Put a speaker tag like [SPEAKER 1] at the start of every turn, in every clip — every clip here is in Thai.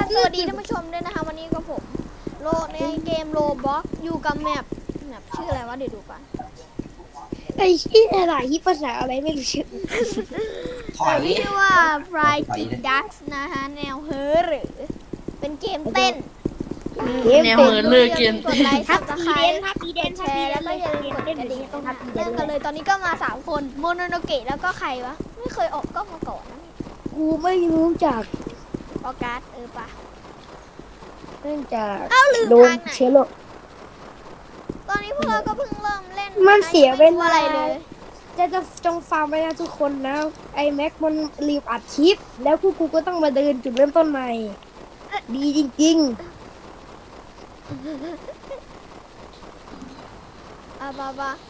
[SPEAKER 1] สวัสดีท่านผู้ชมด้วยนะคะวันนี้กับผมโลในเกมโลบ็อกอยู่กับแมปชื่ออะไรวะเดี๋ยวดูก่อน
[SPEAKER 2] ไอ้ที่อะไรที่ภาษาอะไรไม่รู้ชื่อ
[SPEAKER 1] ชื่อว่า Fried Ducks นะคะแนวเฮอหรือเป็นเกมเต้น
[SPEAKER 3] แนวเหมือนเลยเกม
[SPEAKER 1] กดไลค์
[SPEAKER 2] ทั
[SPEAKER 1] ซั
[SPEAKER 2] บบ
[SPEAKER 1] สไคร
[SPEAKER 2] ปี
[SPEAKER 1] ต์
[SPEAKER 2] เดน
[SPEAKER 1] แชร์แล้วก็อย่าลืมกดกระดิ่ง
[SPEAKER 2] ต้องทับปีเด
[SPEAKER 1] เริ่
[SPEAKER 2] น
[SPEAKER 1] มกันเลยตอนนี้ก็มา3คนโมโนโนเกะแล้วก็ใครวะไม่เคยออกกล้องมาก่อนนะ
[SPEAKER 2] กูไม่รู้จัก
[SPEAKER 1] ออกัสปะ
[SPEAKER 2] เนื่องจาก
[SPEAKER 1] เอ้าลืม
[SPEAKER 2] โดน
[SPEAKER 1] ทางไหน
[SPEAKER 2] เชื้อโรค
[SPEAKER 1] ตอนนี้พวกเราก็เพิ่งเริ่มเล่น
[SPEAKER 2] มันเสียเวลา
[SPEAKER 1] อะไรเลย
[SPEAKER 2] จะจงฟังไว้นะทุกคนนะไอ้แม็กมันรีบอัดคลิป แล้วพวกกูก็ต้องมาเดินจุดเริ่มต้นใหม่ ดีจริง
[SPEAKER 1] บ้า
[SPEAKER 2] ๆบ้า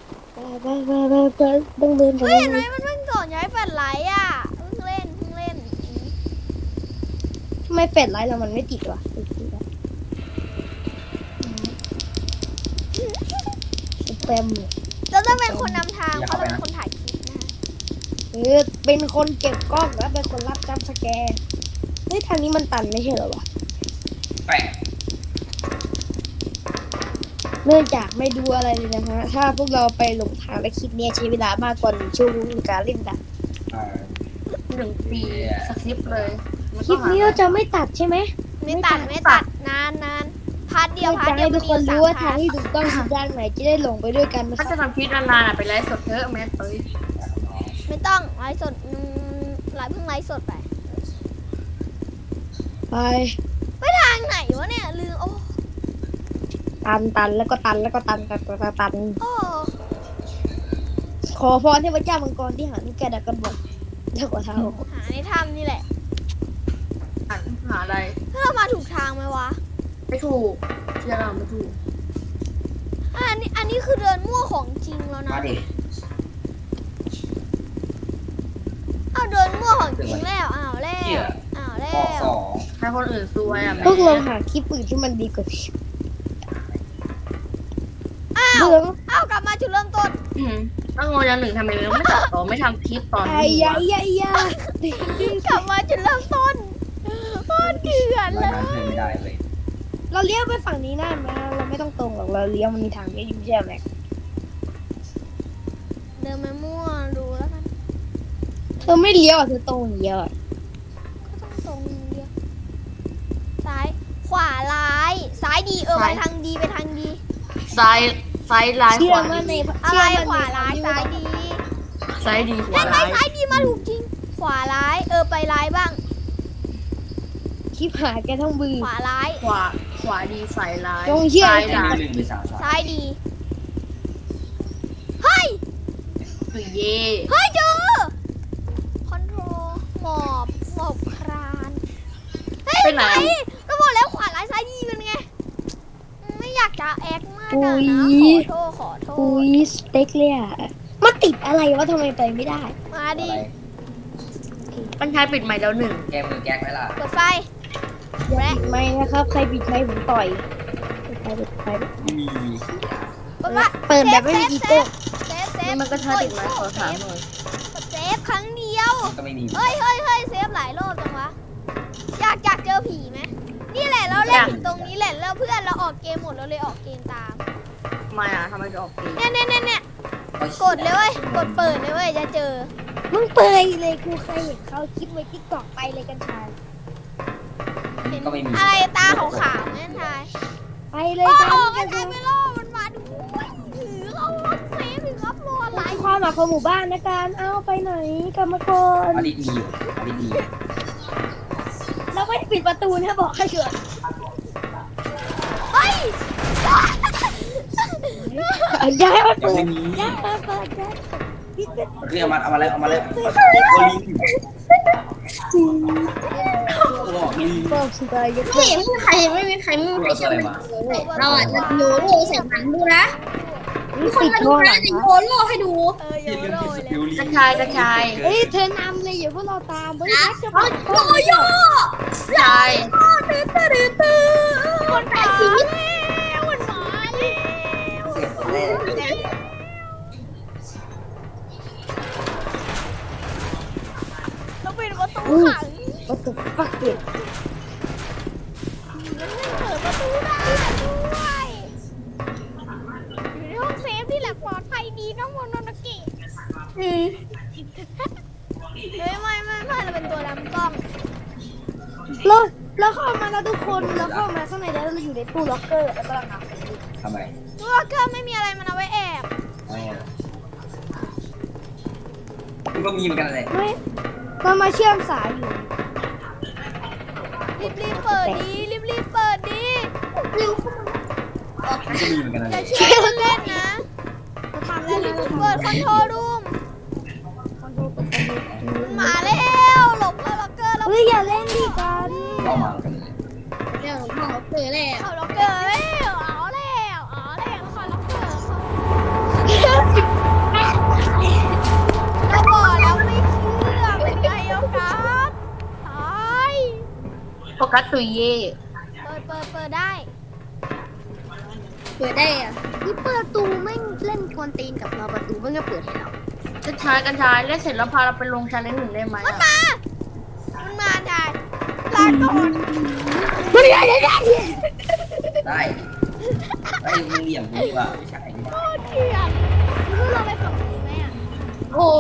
[SPEAKER 2] ต้องเดินไป
[SPEAKER 1] เฮ้ยเห็นไหมมันเพิ่งสอนย้ายแฟลชไลท์อ่ะเพิ่งเล่น
[SPEAKER 2] ทำไมเฟดไลท์เรามันไม่ติดวะสแปม
[SPEAKER 1] เราต้องเป็นคนนำทางเพราะเราเป็นคนถ่ายคลิปนะคะ
[SPEAKER 2] เป็นคนเก็บกล้องแล้วเป็นคนรับจัมป์สแกร์เฮ้ยทางนี้มันตันไม่ใช่เหรอวะ
[SPEAKER 3] แปลก
[SPEAKER 2] เนื่องจากไม่ดูอะไรเลยนะฮะ ถ้าพวกเราไปหลงทางและคลิปนี้ใช้เวลามากกว่า1 ชั่วโมงในการเล่นดัก
[SPEAKER 3] 1 ปีสคริปต์เลย
[SPEAKER 2] คลิปนี้เราจะไม่ตัดใช่ไหม
[SPEAKER 1] ไม่ตัดนานพาร์ทเดียว
[SPEAKER 2] จะให้ทุกคนรู้ว่าทางที่ถูกต้องคือด้านไหนจะได้หลงไปด้วยกันนะค
[SPEAKER 3] ถ้า
[SPEAKER 2] รับ
[SPEAKER 3] จะทำคลิปนานๆไปไลฟ์สดเถอะแม่เอ้ย
[SPEAKER 1] ไม่ต้องไลฟ์สดเพิ่งไลฟ์สดไป
[SPEAKER 2] ไป
[SPEAKER 1] ทางไหนวะเนี่ยลืมโอ้
[SPEAKER 2] ตันแล้วก็ตันแล้วก็ตัน
[SPEAKER 1] โอ้
[SPEAKER 2] ขอพรเทพเจ้ามังกรที่หาลูกแกดักกันบอกเท่ากับเท้า
[SPEAKER 1] หาในถ้ำนี่แหละ
[SPEAKER 3] หาอะไร
[SPEAKER 1] ถ้าเรามาถูกทางไหมวะ
[SPEAKER 3] ไม่ถูกเชื่อเราไม่ถูก
[SPEAKER 1] อันนี้คือเดินมั่วของจริงแล้วนะ
[SPEAKER 3] มาดิ
[SPEAKER 1] เอาเดินมั่วของจริงแล้วอ้าวแล้ว
[SPEAKER 3] ให้คนอื่นซวยอ่ะแม่
[SPEAKER 2] พวกเราหาคลิปอื่นที่มันดีกว่านี้
[SPEAKER 1] อ้าว
[SPEAKER 2] เบื่อ
[SPEAKER 1] อ้าวกลับมาจุดเริ่มต้น
[SPEAKER 3] ต้องงงอย่างหนึ่งทำไมเราไม่ตัดต่อไม่ทำคลิปตอน
[SPEAKER 2] ไอ้
[SPEAKER 3] นี้
[SPEAKER 2] ยายยายยาก
[SPEAKER 1] ลับมาจุดเริ่มต้นโคตรเดือดเลย
[SPEAKER 3] ไม่ได้เลย
[SPEAKER 2] เราเลี้ยวไปฝั่งนี้ได้ไหมเราไม่ต้องตรงหรอกเราเลี้ยวมันมีทางเลี้ยวอยู่ใช่ไหม
[SPEAKER 1] เดินมามั่วดูแล้วกัน
[SPEAKER 2] เธอไม่เลี้ยวอ่ะเธอตรงอย่างเดียวอ่ะ
[SPEAKER 1] ก็ต้องตรงเดียวซ้ายขวาร้ายซ้ายดีไปทางดีไปทางดี
[SPEAKER 3] ซ้ายร้าย
[SPEAKER 2] เชื่
[SPEAKER 3] ข
[SPEAKER 2] อ
[SPEAKER 3] วา
[SPEAKER 2] มั่นใน
[SPEAKER 1] อะไร
[SPEAKER 2] เชื่อมั่น
[SPEAKER 1] ขวาร้ายซ้ายดี
[SPEAKER 3] ซ้ายดีขวา
[SPEAKER 1] เห็นไหม
[SPEAKER 3] ร้าย
[SPEAKER 1] ซ้ายดีมาถูกจริง ขวาร้ายไปร้ายบ้าง
[SPEAKER 2] คลิปหายแกทั้งบือ
[SPEAKER 1] ขวาร้าย
[SPEAKER 3] ขวาดีซ้ายร้าย
[SPEAKER 2] จงเชื่อ
[SPEAKER 3] ซ้ายร้าย
[SPEAKER 1] ซ้ายดีเฮ้ย
[SPEAKER 3] คือเย่
[SPEAKER 1] เฮ้ยเจอคอนโทรลหมอบครานเฮ้ย
[SPEAKER 3] เป็นไหน
[SPEAKER 1] ก็บอกแล้วขวาร้ายซ้ายดีเป็นไงไม่อยากจะแอคมากอะนะขอโท
[SPEAKER 2] อุ้
[SPEAKER 1] ษ
[SPEAKER 2] ยสเต็กเลยอ่ะมาติดอะไรวะทำไมไปไม่ได้
[SPEAKER 1] มาดิ
[SPEAKER 3] ปัญชายปิดใหม่แล้วหนึ่ง
[SPEAKER 4] แกมือแก๊กไหมล่ะ
[SPEAKER 1] เปิดไฟ
[SPEAKER 2] อย่าปิดไม้นะครับ ใครปิดไม้ผมต่อยปิดไฟ
[SPEAKER 4] มี
[SPEAKER 1] เปิดไฟ
[SPEAKER 2] เปิดแบบไม่มีอีโก้
[SPEAKER 1] เซฟ
[SPEAKER 3] นี่มันก็ชาติปิดใหม่ขอถามหน่อย
[SPEAKER 1] เซฟครั้งเดียว
[SPEAKER 4] ก็ไม่มี
[SPEAKER 1] เฮ้ยเซฟหลายรอบจังวะอยากเจอผีไหมนี่แหละเราเล่นถึงตรงนี้แหละแล้วเพื่อนเราออกเกมหมดเราเลยออกเกมตาม
[SPEAKER 3] ทำไมอ่ะทำไมจะออกเกม
[SPEAKER 1] เนี่ยกดเลยเว้ยกดเปิดเลยเว้ยจะเจอ
[SPEAKER 2] มึงเปยเลยกูเคยเห็นเขาคลิปในทิกตอกไปเลยกันชาย
[SPEAKER 1] เห็น
[SPEAKER 4] ก็ไม่มี
[SPEAKER 1] อะไรตาขาวๆนั่นทาย
[SPEAKER 2] ไปเลย
[SPEAKER 1] โอ้
[SPEAKER 2] กัน
[SPEAKER 1] โหกระจายไปล่อมันมาดูถือเอารถเซฟถึงครับรออะไร
[SPEAKER 2] ความหมายของหมู่บ้านนะการเอาไปไหนกลับมาก่อน
[SPEAKER 4] อดีตมีอยู่อดีตมีอยู่
[SPEAKER 2] เราไม่ได้ปิดประตูนะบอกให้เกิด
[SPEAKER 1] เฮ้ย
[SPEAKER 2] ย้ายมา
[SPEAKER 4] ยัง
[SPEAKER 2] เปิด
[SPEAKER 4] ไม่มี
[SPEAKER 2] ย้ายมาเปิดย้ายปิด
[SPEAKER 4] เรียกเอามาแล้วโอลิงตัวลิง
[SPEAKER 2] บอกสุดท้ายก็
[SPEAKER 5] ไม่มีใครไม่มีใคร
[SPEAKER 4] ตัวอะไรมา
[SPEAKER 5] เราอ่ะจะโยโร่ใส่หนังดูนะมีคน
[SPEAKER 2] ปิด
[SPEAKER 5] มาดู
[SPEAKER 2] ท่อห
[SPEAKER 5] นะ
[SPEAKER 2] ลัง
[SPEAKER 5] จะ
[SPEAKER 2] นะ
[SPEAKER 5] โยโร่ให้ดู
[SPEAKER 1] โยโร่เลย
[SPEAKER 3] กระชาย
[SPEAKER 2] เฮ้ยเธอนำเลยอย่าพวกเราตามเฮ้ย
[SPEAKER 5] นะ
[SPEAKER 2] จะ
[SPEAKER 5] เขา
[SPEAKER 2] ปิด
[SPEAKER 5] โยโย่
[SPEAKER 3] ชาย
[SPEAKER 5] คนแปดสี
[SPEAKER 1] มันมาเราปิดประตูขัง
[SPEAKER 2] ประตูปักเปิด
[SPEAKER 1] มันไม่เปิดประตูได้ด้วยอยู่ในห้องเซฟนี่แหละปลอดภัยดีน้องโมโนนากิเฮ้ยไม่เราเป็นตัวดำกล้อง
[SPEAKER 2] แล้วเข้ามาแล้วทุกคนแล้วเข้ามาข้างในแล้วเราอยู่ในตู้ล็อกเกอร์แล้วก็ลังนับ
[SPEAKER 4] ทำไม
[SPEAKER 1] ตัวเกอร์ไม่มีอะไรมันเอาไว้แอบ
[SPEAKER 4] มันก็มีเหมือนกันเลย
[SPEAKER 2] เฮ้ยเรามาเชื่อมสายอยู่
[SPEAKER 1] รีบเปิดดีรีบเปิดดี
[SPEAKER 4] มันก็มีเหมือนกันเล
[SPEAKER 1] อย่าย เชื่อเล่นนะ
[SPEAKER 2] เราทำได้แล้ว
[SPEAKER 1] เปิดคอนโทรลรูม
[SPEAKER 2] คอนโทรลเปิดคอนโทรล
[SPEAKER 1] มาแล้วหลบแล้วล็อกเกอร์แล้ว
[SPEAKER 2] เฮ้ยอย่าเล่นดิกัน
[SPEAKER 4] เข้ามากันเลย
[SPEAKER 5] เดี๋ยวหมอเจอแล้ว
[SPEAKER 1] เอาล็อกเกอร์แล้วเอาแล้วขอล็อกเกอร์เราบอกแล้วไม่เชื่อเป็นไงเอาการ์ดตาย
[SPEAKER 3] โฟกัสตุยเย่
[SPEAKER 1] เปิดได้
[SPEAKER 5] เปิดได้อะ
[SPEAKER 2] นี่เปิดประตูไม่เล่นกวนตีนกับเราประตูไม่ก็เปิดให้เรา
[SPEAKER 3] กัญชายเล่นเสร็จแล้วพาเราไปลงชาเลนจ์หนึ่งได้ไหม
[SPEAKER 1] มัน
[SPEAKER 3] อะ
[SPEAKER 1] มาได้ลาก่อน
[SPEAKER 2] ไม่ได้
[SPEAKER 4] ได้ไอ้มึงเหลี่ยมกูดีกว่าไม่ใช่
[SPEAKER 1] โคตรเกลียดรู้เราไปฝั่งนี้ไหมอ่ะ
[SPEAKER 5] โอ้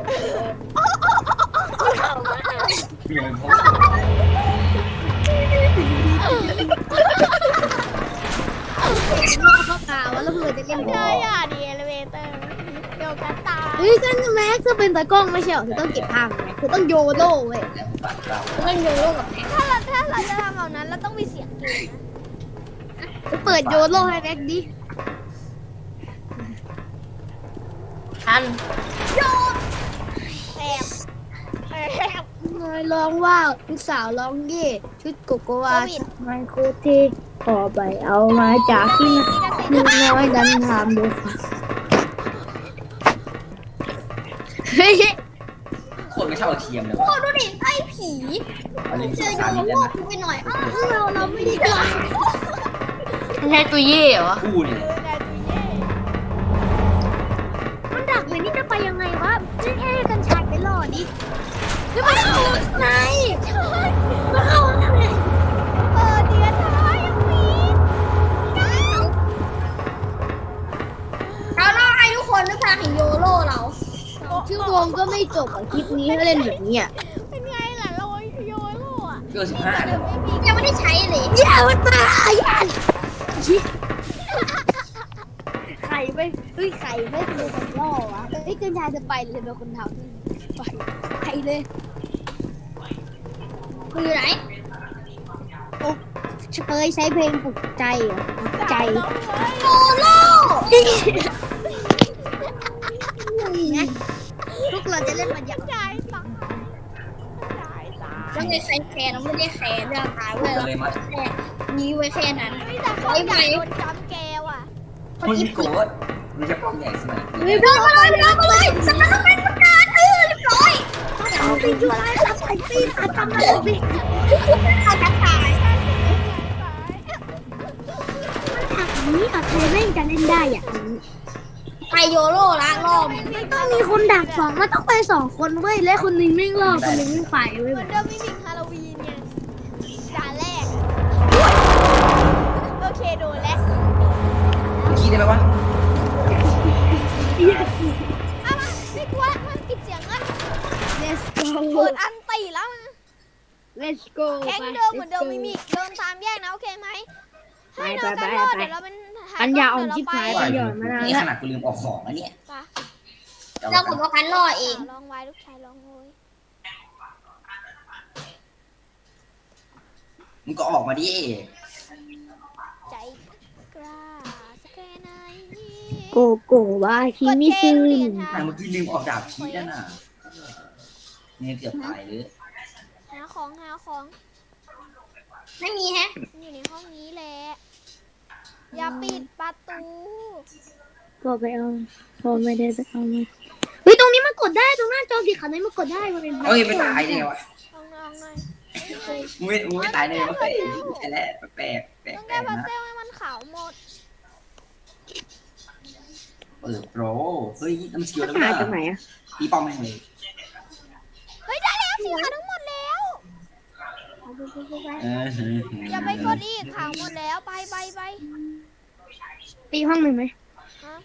[SPEAKER 4] เหลี่ยมเขา
[SPEAKER 2] เข้าตาว่าเราเผื่อจะเล่น
[SPEAKER 1] ใช่อ่ะดีเอเลเวเตอร์เดี๋ยวกันตาย
[SPEAKER 2] เฮ้ยกันแม็กซ์เป็นตากล้องไม่ใช่หรอคือต้องเก็บภาพแม็กซ์คือต้องโยโร่เว้ย
[SPEAKER 4] แล้วปากเรา
[SPEAKER 2] ต้องโยโร่กับแม็กซ์
[SPEAKER 1] ถ้าเราจะทำแบบนั้นเราต้องมีเสียงเกมนะ
[SPEAKER 2] เปิดโยโร่ให้แม็กซ์ดิ
[SPEAKER 3] ทัน
[SPEAKER 1] แอบ
[SPEAKER 2] น้อยร้องว่าลูกสาวร้องเย่ชุดโกโกวามันโคเทขอไปเอามาจากที่ลูกน้อยดันทำดูค่ะเฮ้ย
[SPEAKER 4] คนไม่เท่าเทียมเลย
[SPEAKER 5] โหดูดิไอ้ผี
[SPEAKER 4] เอาลิ้น
[SPEAKER 5] เจ
[SPEAKER 4] ส
[SPEAKER 5] อง โย
[SPEAKER 4] สารนิด
[SPEAKER 5] โย่
[SPEAKER 4] ได้ไหม
[SPEAKER 5] ไปหน่อยอ้าว
[SPEAKER 2] เราไม่ได้จ้า
[SPEAKER 3] ไม่ใช่ตุยเย่เหรอ
[SPEAKER 4] กูเนี่ย
[SPEAKER 2] มันดักเลยนี่จะไปยังไงวะนี่แค่กันชายไปหล่อดิแล้วมันเข้าไหนมันเข้าไหน
[SPEAKER 1] เดือนท้ายยังมี
[SPEAKER 5] เราล่อให้ทุกคนด้วยพลังแห่งโยโร่เรา
[SPEAKER 2] ชื่อวงก็ไม่จบอ่ะคลิปนี้ถ้าเล่นแบบนี้อ่ะ
[SPEAKER 1] เป็นไงล่ะโรยโยโร่อะ
[SPEAKER 4] เกิน15เลย
[SPEAKER 1] ไม่มี
[SPEAKER 5] ยังไม่ได้ใช้เลย
[SPEAKER 2] อย่ามาตายไข่ไม่ไข่ไม่เป็นคนล่อวะเฮ้ยกันชายจะไปเลยเป็นคนทำไปเลย
[SPEAKER 5] คืออยู่ไหน
[SPEAKER 2] เคยใช้เพลงปลุกใจเหรอปลุกใจ
[SPEAKER 5] โยโร่
[SPEAKER 2] นะพวกเราจะเล่นมันอย่าง
[SPEAKER 1] ใจตาย
[SPEAKER 5] ยังไงใครแคร์เราไม่ได้แคร์เรื่องตายเว้ย
[SPEAKER 4] กันเลยมั้ย
[SPEAKER 5] แค่มีไว้แค่นั้น
[SPEAKER 1] ไม่แต่เขาอยากโดนจำแกว่ะ
[SPEAKER 4] คนโกรธมันจะป้องใหญ่สมัย
[SPEAKER 2] เฮ้ย
[SPEAKER 5] เดินมาเลยสำนักต้องเป็นประกาศเรียบร้อย
[SPEAKER 2] เอาไปช่วยอะไรรับไอ้ตีนอาทำอะไรไป
[SPEAKER 5] เขาจะตาย
[SPEAKER 2] ถักนี้อาใครเล่นจะเล่นได้อ่ะ
[SPEAKER 5] ไปโยโร่ละรอบ
[SPEAKER 2] มันต้องมีคนดักสองมันต้องไปสองคนเว้ยและคนหนึงไม่รอดคนหนึงไม่ไปเว้ย
[SPEAKER 1] เหมือนเดิมมิมิกฮาโลวีนไงด่านแรกโอเคโดนแล้ว
[SPEAKER 4] คิดได้ไหมวะ
[SPEAKER 1] เอามาไม่กลัวมันปิดเสียงกัน
[SPEAKER 2] let's go
[SPEAKER 1] เปิดอันตีแล้วนะ
[SPEAKER 2] let's go
[SPEAKER 1] แข่งเดิมเหมือนเดิมมิมิกเดินตามแยกนะโอเคไหมให้น้องกันรอดเดี๋ยวเราเป็น
[SPEAKER 2] ปัญญาอ่อนชิบหาย
[SPEAKER 1] ไป
[SPEAKER 4] นี่ขนาดกูลืมออกของแล้วเนี่ย
[SPEAKER 5] เราผมว่ากันล่อเอง
[SPEAKER 1] ลองไว้ลูกชายลองโวย
[SPEAKER 4] มึงก็ออกมาดิ
[SPEAKER 1] ใจกล้าสักแค่ไหน
[SPEAKER 2] โกโก้ว่าคิมิซึน
[SPEAKER 4] แต่เมื่อกี้ลืมออกดาบชี้นั่นน่ะเนี่ยเกือบตายเลย
[SPEAKER 1] หาของ
[SPEAKER 5] ไม่มีแฮะ
[SPEAKER 1] อยู่ในห้องนี้แหละอย่าปิดประตู
[SPEAKER 2] ก็ไปเอาพอไม่ได้ไปเอามาเฮ้ยตรงนี้มันกดได้ตรงหน้าจอสีขาวนี้มันกดได้มันเป็น
[SPEAKER 4] เฮ้ยไม่ตายได้ไงวะ
[SPEAKER 1] ลองหน่อย
[SPEAKER 4] มึงไม่ตายได้ไงวะเฮ้ยใช่แล้วแปลก
[SPEAKER 1] ต้อง
[SPEAKER 4] แปล
[SPEAKER 1] แก้
[SPEAKER 4] ก
[SPEAKER 1] พัซ
[SPEAKER 4] นะ
[SPEAKER 1] เซลให้มันขาวหมด
[SPEAKER 4] เปิดโปรเฮ้ยน้ำสกิลแล้ว
[SPEAKER 2] หา
[SPEAKER 4] นะ
[SPEAKER 2] จากไหนอ่ะ
[SPEAKER 4] ตีป้อมแม่งเลย
[SPEAKER 1] เฮ้ยได้แล้วสีขาวทั้งหมดแล้ว
[SPEAKER 2] ไ
[SPEAKER 1] อย่าไปกดอีกข่าวหมดแล้วไป
[SPEAKER 2] ตีห้องหนึ่งไหม
[SPEAKER 1] ฮะ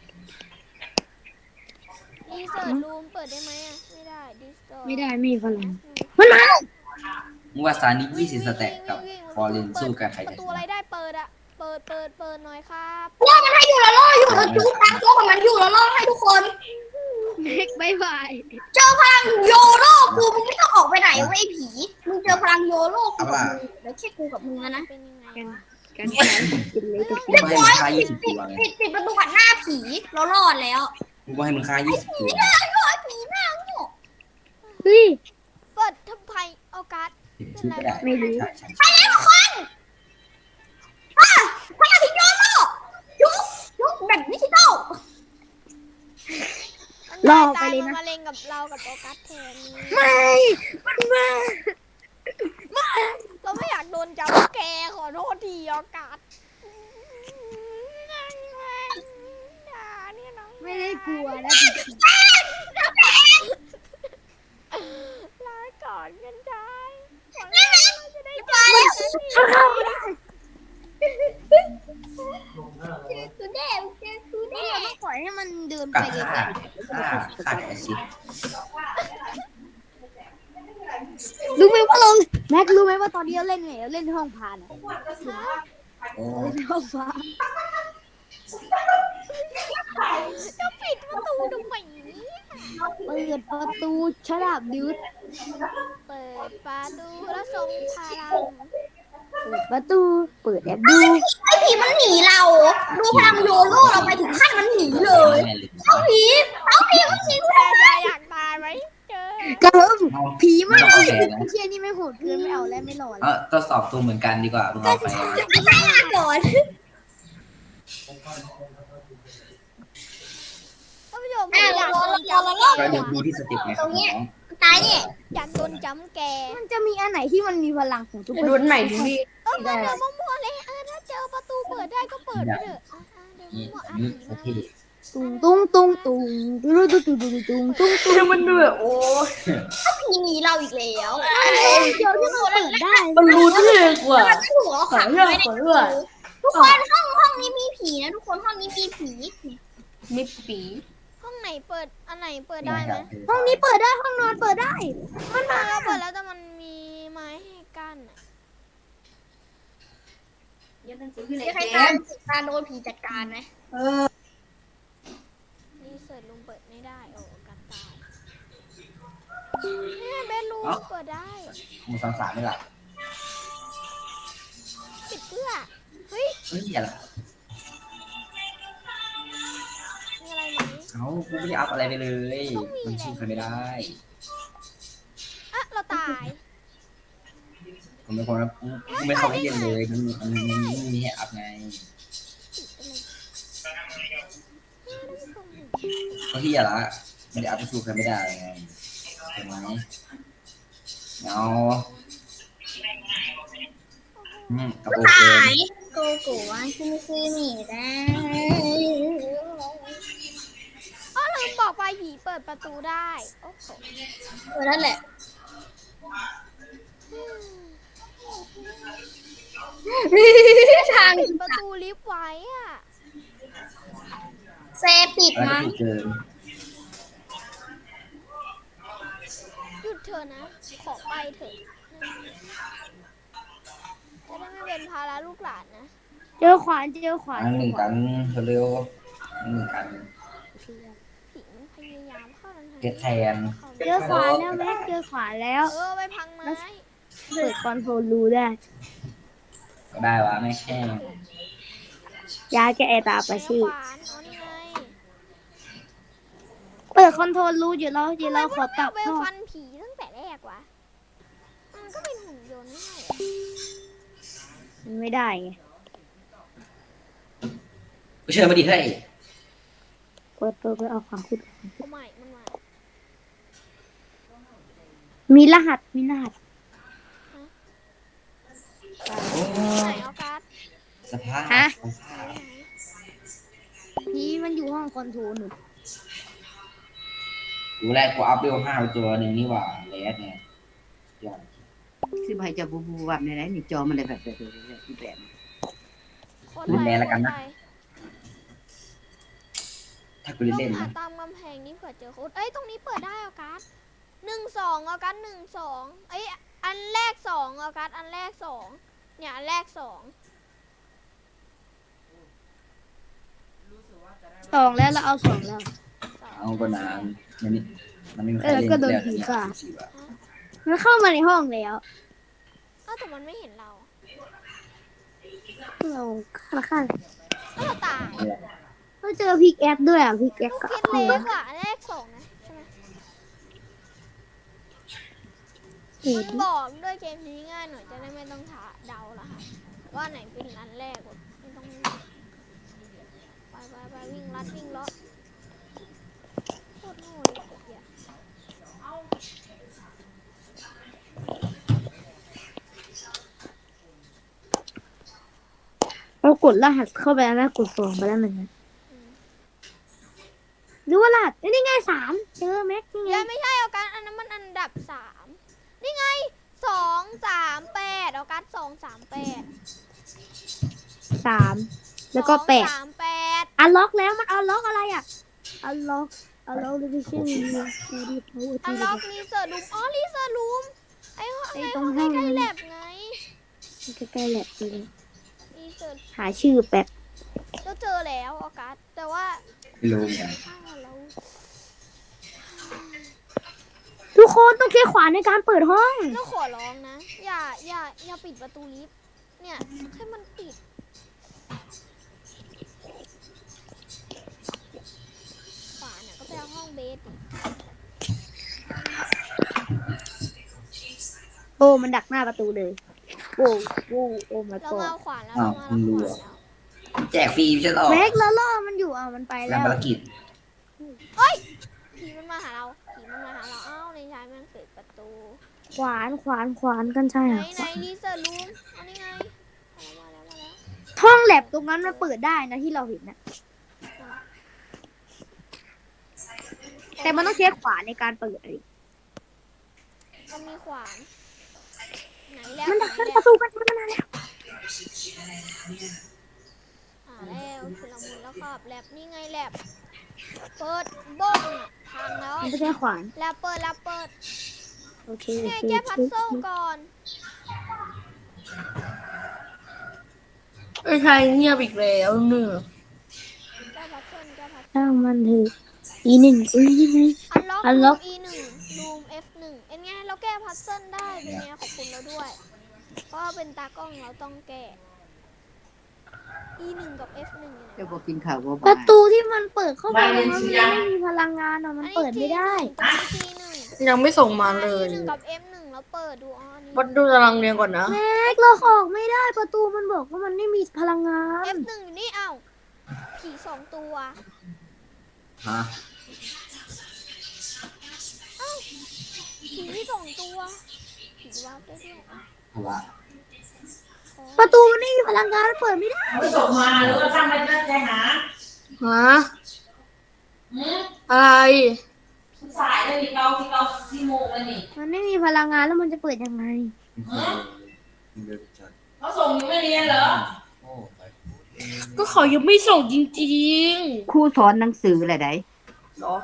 [SPEAKER 1] รีเสิร์ชรูมเปิดได้ไหมอ่ะไม่ได้ดิสโต
[SPEAKER 2] ไม่ได้ไม่มีพลังมันมา
[SPEAKER 4] มึงว่าซานิ20 สแต็กกับฟอร์เรนสู้กันใคร
[SPEAKER 1] ประ
[SPEAKER 4] จะช
[SPEAKER 1] ตูอะไร
[SPEAKER 4] นะ
[SPEAKER 1] ได้เปิดอ่ะเปิดหน่อยครับ
[SPEAKER 5] ว่ามันให้อยู่แล้วล่ออยู่แล้วจุ๊บตามตัวของมันอยู่แล้วล่อให้ทุกคน
[SPEAKER 2] เน็กบายบาย
[SPEAKER 5] เจอพลังโยโร่กูมึงไม่ต้องออกไปไหนเว้ยไอ้ผีมึงเจอพลังโยโร่กูกับมึงแล้วแค่กูกับมึงนะ
[SPEAKER 1] เป็นยังไง
[SPEAKER 2] กัน
[SPEAKER 1] วะ
[SPEAKER 2] กันแข่งกินเลยกับกิน
[SPEAKER 4] กูให้มึงฆ่า20 ตัวไง
[SPEAKER 5] ปิดประตูหันหน้าผีเรารอดแล้ว
[SPEAKER 4] กูก็ให้มึงฆ่า20 ตัว
[SPEAKER 5] ผีหน้าโง่
[SPEAKER 2] เฮ้ย
[SPEAKER 1] เปิดทำไมเอาการ์ด
[SPEAKER 4] สู้ไม่ได้
[SPEAKER 2] ไม่รู้
[SPEAKER 5] ไปแล้วทุกคนพลังผีโยโร่ยุบแบบดิจิตอล
[SPEAKER 2] รอไปเลยนะ
[SPEAKER 1] มันมาเล่นกับเรากับโอกัสแทน
[SPEAKER 2] ไม่มันมา
[SPEAKER 1] เราไม่อยากโดนจับแกขอโทษทีโอกาสด่าเนี่ยน้อง
[SPEAKER 2] ไม่ได้กลัวนะ
[SPEAKER 1] ลาก่อนกันได้ขอโทษเราจะได้เจอกันสักที
[SPEAKER 5] กูแน่กูแน่
[SPEAKER 2] ต้องปล่อยให้มันเดิน
[SPEAKER 4] กั
[SPEAKER 2] ไป
[SPEAKER 4] ด
[SPEAKER 2] ไก
[SPEAKER 4] ฆ่า
[SPEAKER 2] ล
[SPEAKER 4] ฆ่าแต่แอซิด
[SPEAKER 2] ๆรู้ไหมว่าเราแม็กรู้ไหมว่าตอนนี้เราเล่นไงเราเล่นห้องพานอะ
[SPEAKER 4] โอ้
[SPEAKER 2] เล่นห้องพาน
[SPEAKER 1] จะปิดประตูทำไมเนี่ย
[SPEAKER 2] เปิดประตูฉลาบดืด
[SPEAKER 1] เปิดประตูแล้วส่งพลัง
[SPEAKER 2] เปิดประตูเปิดแอบดู
[SPEAKER 5] ไอ้ผีมันหนีเราดูพลังโยโร่เราไปถึงขั้นมันหนีเลย
[SPEAKER 4] แม่เลย
[SPEAKER 5] เอาผีมันหนี
[SPEAKER 1] แต่จะอยากตายไหมเจอก
[SPEAKER 2] ระเพิ่มผีมาก
[SPEAKER 4] เอา
[SPEAKER 2] เลย
[SPEAKER 4] แพ้นะ
[SPEAKER 2] เชี่ยนี่ไม่โหดเกินไม่เอาแล้วไม่หล่อแล้ว
[SPEAKER 4] ทดสอบตัวเหมือนกันดีกว่ามึงเอาไป
[SPEAKER 5] ไม่ใช่ลาก่อน
[SPEAKER 1] ท่านผู้ชมอยากโดนจับแก
[SPEAKER 4] ก็ดูที่สเต็ปไงครับน้อง
[SPEAKER 5] ตายเนี่ย
[SPEAKER 1] อยากโดนจับแก
[SPEAKER 2] มันจะมีอันไหนที่มันมีพลังของทุกคน
[SPEAKER 3] ดูใหม่ดิพี่
[SPEAKER 1] มันเดินมั่วๆเลยถ้าเจอประตูเปิดได้ก็เปิดไปเถอะเดิน
[SPEAKER 4] นี่
[SPEAKER 1] มั่ว
[SPEAKER 4] อันนี้โอเค
[SPEAKER 2] ตุ้งตุ้งตุ้งตุ้งตุ้งตุ้งตุ้งตุ้งตุ้งตุ้ง
[SPEAKER 3] มันดูแบบโอ้
[SPEAKER 5] ผีหนีเราอีกแล้ว
[SPEAKER 2] เดี๋ยวที่มันเปิดได้
[SPEAKER 3] มันรู้ที่เลยกว่า
[SPEAKER 5] มันไม่ถูกเราขังไว้ในประตูทุกคนห้องนี้มีผีนะทุกคนห้องนี้มีผี
[SPEAKER 3] มีปี
[SPEAKER 1] ห้องไหนเปิดอันไหนเปิดได้ไหม
[SPEAKER 2] ห้องนี้เปิดได้ห้องนอนเปิดได้
[SPEAKER 1] มันมาแล้วเปิดแล้วแต่มันมีไม้ให้กั้น
[SPEAKER 5] มีใครตาโดนผีจัดการไหม
[SPEAKER 1] รีเสิร์ชรูมเปิดไม่ได้โอ้กันตายเนี่ยเบดรูมเปิดได้
[SPEAKER 4] มึงสามไม่หลับ
[SPEAKER 1] ปิดเพื่อเฮ้ย
[SPEAKER 4] เฮ้ยอย่าหลับ
[SPEAKER 1] มีอะไรไหม
[SPEAKER 4] เขากูไม่ได้อัพอะไรไปเลยมันสู้ใครไม่ได้
[SPEAKER 1] อ่ะเราตาย
[SPEAKER 4] ผมเป็นคนกูไม่เข้าไปเล่นเลยมันไม่มีให้อัพไงก็ที่อย่าละไม่ได้อัพไปสู้ใครไม่ได้ไงเห็นไหมเอากระโปรงเกิน
[SPEAKER 5] โกโก้ว่าชื่อหนีได้
[SPEAKER 1] อ๋อลืมบอกไปผีเปิดประตูได้โอ้โห
[SPEAKER 5] นั่นแหละทาง
[SPEAKER 1] ปิดประตูลิฟต์ไว้อะ
[SPEAKER 5] เซปิด
[SPEAKER 4] อะไร
[SPEAKER 5] มั้ง
[SPEAKER 4] ก็เกิน
[SPEAKER 1] หยุดเถอะนะ ขอไปเถอะจะได้ไม่เป็นภาระลูกหลานนะ
[SPEAKER 2] เจอขวานเจอขวาน
[SPEAKER 4] อันหนึ่งกันเร็วหนึ่งกัน
[SPEAKER 1] ผีมันพยายามเข้าทาง
[SPEAKER 4] เก็ตแทน
[SPEAKER 2] เจอขวานแล้วแม็กเจอขวานแล้ว
[SPEAKER 1] ไปพังไม้
[SPEAKER 2] เปิดคอนโทรลรูได้
[SPEAKER 4] ก็ได้วะไม่แค่
[SPEAKER 2] ยาแก้ตาปะชื่อ
[SPEAKER 1] ขวานอ๋อนี่ไง
[SPEAKER 2] เปิดคอนโทรลรูอยู่แล้วเดี๋ยวเราขอตับ
[SPEAKER 1] ไป
[SPEAKER 2] พ่อ
[SPEAKER 1] ฟันผีตั้งแต่แรกวะมันก็เป็นหุ่นยนต์ไม่ใช่เหรอ
[SPEAKER 2] มันไม่ได้ไง
[SPEAKER 4] กูเชิญมาดิเฮ้ย
[SPEAKER 2] เปิดเอาขวานขุด
[SPEAKER 1] โอ้ไม่มันมา
[SPEAKER 2] มีรหัส
[SPEAKER 1] ไหนเอาการ์ด
[SPEAKER 4] สภาพ
[SPEAKER 2] ฮะ พี่มันอยู่ห้องคอนโทรลหนู
[SPEAKER 4] ดูแรกกูอัพเวล5ไปตัวหนึ่งนี่หว่าเลสไงยอด
[SPEAKER 6] คือใบจะบูแบบไหนนี่จอมันเลยแบบแบบ
[SPEAKER 1] โคตรไป
[SPEAKER 4] ถ้ากู
[SPEAKER 1] ต้อง
[SPEAKER 4] เล่น
[SPEAKER 1] หา
[SPEAKER 4] นะ
[SPEAKER 1] ตามกำแพงนี่เผื่อเจอโค้ดเอ้ยตรงนี้เปิดได้ออกัส1-2ออกัส1-2เอ้ยอันแรก2ออกัสอันแรก2เนี่ยอันแรก2
[SPEAKER 2] 2แล้วเราเอา2แล้ว
[SPEAKER 4] เอาก็นานมันนี่มันไม่มีใครเล่น
[SPEAKER 2] ก็โดน
[SPEAKER 4] แล้ว
[SPEAKER 2] ผี
[SPEAKER 4] เนี่ย
[SPEAKER 2] ฆ่า
[SPEAKER 4] สี่บาท
[SPEAKER 2] มันเข้ามาในห้องแล้ว
[SPEAKER 1] แต่มันไม่เห็นเรา
[SPEAKER 2] เราฆ่า
[SPEAKER 1] เราตาย
[SPEAKER 2] เราเจอพิกแอคด้วยพิกแอค
[SPEAKER 1] ลูก
[SPEAKER 2] ก็
[SPEAKER 1] คิดเล็กอ่ะอันแรก2นะใช่ไหมมันบอกด้วยเกมนี้ง่ายหน่อยจะได้ไม่ต้องเดาละค่ะว่าไหนเป็นอันแรกไม่ต้องไปวิ่งลัดวิ่งเลาะโคตรโง่เลยเหี้ย
[SPEAKER 2] เรากดรหัสเข้าไปแล้วนะกด2ไปแล้วมันนะหรือว่ารหัสนี่ไง3เจอแม็กนี่ไง
[SPEAKER 1] ยังไม่ใช่เอาการอันนั้นมันอันดับ3นี่ไง238เอาการ238
[SPEAKER 2] 3แล้วก็8
[SPEAKER 1] 238
[SPEAKER 2] อันล็อกแล้วมันอันล็อกอะไรอ่ะอันล็อกดิวิชั่น
[SPEAKER 1] อันล็อกรีเสิร์ชรูมอ๋อรีเสิร์ชรูมไอ้ห้องใกล้ๆแลบไง
[SPEAKER 2] ใกล้ๆแหละเลย
[SPEAKER 1] รีเสิร์ช
[SPEAKER 2] หาชื่อแป๊บ
[SPEAKER 1] ก็เจอแล้วออกัสแต่ว่า
[SPEAKER 4] ไม่รู้เหมือนกัน
[SPEAKER 1] เรา
[SPEAKER 2] ทุกคนต้องใช้ขวานในการเปิดห้อง
[SPEAKER 1] ขอร้องนะอย่าปิดประตูลิฟต์เนี่ยให้มันปิดฝาเนี่ยก็ไปเอาห้องเบสดิ
[SPEAKER 2] โอ้มันดักหน้าประตูเลยโอ้โอ้มา
[SPEAKER 1] เรา
[SPEAKER 2] ก่อ
[SPEAKER 1] มาน เอาขวานแล้ว
[SPEAKER 4] อ้าว
[SPEAKER 1] เรา
[SPEAKER 4] มึง
[SPEAKER 1] มา
[SPEAKER 4] รู้
[SPEAKER 1] เอา
[SPEAKER 4] เหร
[SPEAKER 1] ข
[SPEAKER 4] อ
[SPEAKER 1] วานแล้ว
[SPEAKER 4] แจกฟรีไม่ใช่หรอ
[SPEAKER 2] แม็กแล้วล่อมันอยู่มันไป
[SPEAKER 4] งา
[SPEAKER 2] แล้
[SPEAKER 4] น
[SPEAKER 2] ว
[SPEAKER 4] ภารกิจ
[SPEAKER 1] ผีมันมาหาเราอ้าวในชายมันเปิดประตู
[SPEAKER 2] ขวานกันใช่
[SPEAKER 1] ไหน
[SPEAKER 2] อ่ะ
[SPEAKER 1] รีเสิร์ชรูมอันนี้ไงมาแล้ว
[SPEAKER 2] ห้องแลบตรงนั้นมันเปิดได้นะที่เราเห็นนะแต่มันต้องใช้ขวานในการเปิดอะไร
[SPEAKER 1] มันมีขวานไหนแล้ว
[SPEAKER 2] มันดัก
[SPEAKER 1] ไหน
[SPEAKER 2] ป
[SPEAKER 1] แล้ว
[SPEAKER 2] ระตูกันมาแล้ว
[SPEAKER 1] แล้วชุลมุนแล้วครับแลบนี่ไงแลบเปิดบ้องอ่ะพังแล้ว
[SPEAKER 2] มันจะใช้ขวาน
[SPEAKER 1] แล้วเปิด
[SPEAKER 2] โอเค
[SPEAKER 1] ไงแก้พัซเซิลก่อน
[SPEAKER 3] ไอ้ชายเงียบอีกแล้วเนื้อ
[SPEAKER 1] แก้พัซเซิล
[SPEAKER 2] ช่างมันเถอะE1ยังไง
[SPEAKER 1] อันล็อก
[SPEAKER 2] Unlock
[SPEAKER 1] E1 รูม F1 เอ็นไงเราแก้พัซเซิลได้เป็นไงขอบคุณเราด้วย เพราะว่าเป็นตากล้องเราต้องแก้ E1 กับ F1 อยู่ไหน
[SPEAKER 6] จะบอกกินข่าวว่า
[SPEAKER 2] ประตูที่มันเปิดเข้าไปมันไม่มีพลังงานอ่ะมันเปิดไม่ได้
[SPEAKER 1] T1
[SPEAKER 3] ยังไม่ส่งมาเลย
[SPEAKER 1] T1 กับ F1 แล้วเปิดดูอ๋อนี่
[SPEAKER 3] วัดดูตารางเรียนก่อนนะ
[SPEAKER 2] แม็กเราออกไม่ได้ประตูมันบอกว่ามันไม่มีพลังงาน
[SPEAKER 1] F1 อยู่นี่เอ้าผี2 ตัว
[SPEAKER 4] ฮะ
[SPEAKER 1] ผี2 ตัวผีวาร์ปได้ด้วย
[SPEAKER 4] เพราะว่า
[SPEAKER 2] ประตูมันไม่มีพลังงานมันเปิดไม่ได้
[SPEAKER 7] ส่งมาหรือว่าทำไปตั้งใจหา
[SPEAKER 3] ฮะอะไร
[SPEAKER 7] สายเลยนี่เราที่โมงเลยนี่
[SPEAKER 2] มันไม่มีพลังงานแล้วมันจะเปิดยังไง
[SPEAKER 4] มึงเดินจัด
[SPEAKER 7] เขาส่งอยู่ไม่เรียนเหรอ
[SPEAKER 4] โอ้ไป
[SPEAKER 3] ก็เขายังไม่ส่งจริง
[SPEAKER 6] ครูสอนหนังสืออะไรได้
[SPEAKER 3] ๆเหรอ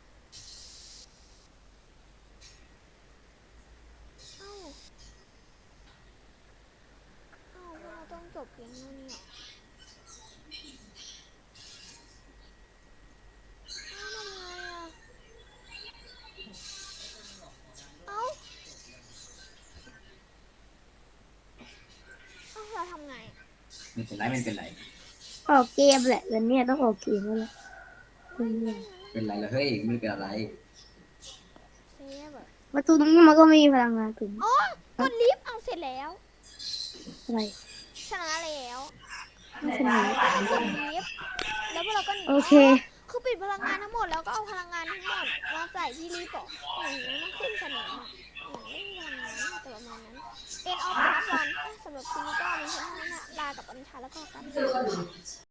[SPEAKER 1] เอ้าเราต้องจบเพียงเท่านี้เหรอเอ้าเราทำไง
[SPEAKER 4] ไม่เป็นไรไม่เป็นไร
[SPEAKER 2] ออกเกมแหละวันนี้ต้องออกเกมแล้วแหละ
[SPEAKER 4] เป็นไรแล้วเฮ้ยไม่เป็นอะไร
[SPEAKER 1] เซฟอะ
[SPEAKER 2] ประตูตรงนี้มันก็ไม่มีพลังงานถึง
[SPEAKER 1] อ๋อกดลิฟต์เอาเสร็จแล้ว
[SPEAKER 2] อะไร
[SPEAKER 1] ชนะแล้ว
[SPEAKER 2] ไม่ใช่ไหม
[SPEAKER 1] กดลิฟต์แล้วพวกเราก็หนี
[SPEAKER 2] โอเค
[SPEAKER 1] คือปิดพลังงานทั้งหมดแล้วก็เอาพลังงานทั้งหมดมาใส่ที่ลิฟต์อ่ะอย่างนี้มันขึ้นสนามอ่ะอย่างไม่มีพลังงานแต่ประมาณนั้นเอ็นออฟพาร์ทวันสำหรับซีรีส์ก็มีเท่านั้นนะลากับอัญชาแล้วก็กัน